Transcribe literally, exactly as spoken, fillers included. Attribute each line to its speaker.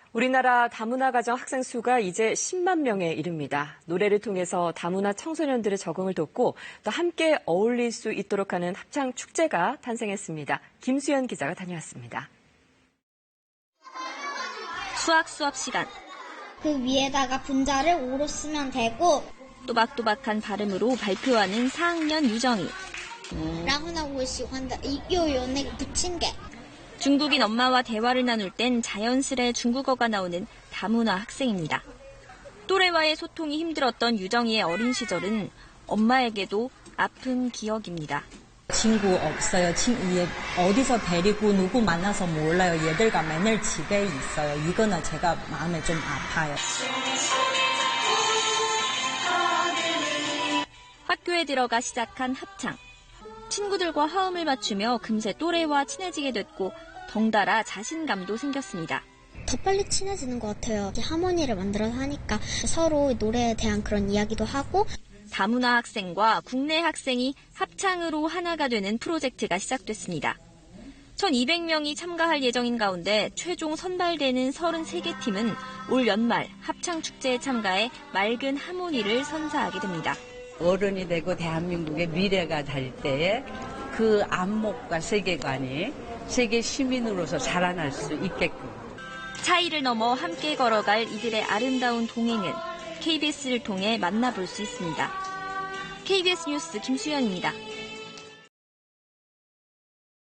Speaker 1: 우리나라 다문화 가정 학생 수가 이제 십만 명에 이릅니다. 노래를 통해서 다문화 청소년들의 적응을 돕고 또 함께 어울릴 수 있도록 하는 합창 축제가 탄생했습니다. 김수연 기자가 다녀왔습니다.
Speaker 2: 수학 수업 시간.
Speaker 3: 그 위에다가 분자를 오로 쓰면 되고
Speaker 2: 또박또박한 발음으로 발표하는 사 학년 유정이.
Speaker 3: 음. 然后呢我喜欢的又有那个붙인 게
Speaker 2: 중국인 엄마와 대화를 나눌 땐 자연스레 중국어가 나오는 다문화 학생입니다. 또래와의 소통이 힘들었던 유정이의 어린 시절은 엄마에게도 아픈 기억입니다.
Speaker 4: 친구 없어요. 친구 어디서 데리고 누구 만나서 몰라요. 얘들과 맨날 집에 있어요. 이거는 제가 마음에 좀 아파요.
Speaker 2: 학교에 들어가 시작한 합창. 친구들과 화음을 맞추며 금세 또래와 친해지게 됐고 덩달아 자신감도 생겼습니다.
Speaker 3: 더 빨리 친해지는 것 같아요. 하모니를 만들어서 하니까 서로 노래에 대한 그런 이야기도 하고.
Speaker 2: 다문화 학생과 국내 학생이 합창으로 하나가 되는 프로젝트가 시작됐습니다. 천이백 명이 참가할 예정인 가운데 최종 선발되는 서른세 개 팀은 올 연말 합창축제에 참가해 맑은 하모니를 선사하게 됩니다.
Speaker 5: 어른이 되고 대한민국의 미래가 될 때에 그 안목과 세계관이 세계 시민으로서 자라날 수 있게끔.
Speaker 2: 차이를 넘어 함께 걸어갈 이들의 아름다운 동행은 케이비에스를 통해 만나볼 수 있습니다. 케이비에스 뉴스 김수연입니다.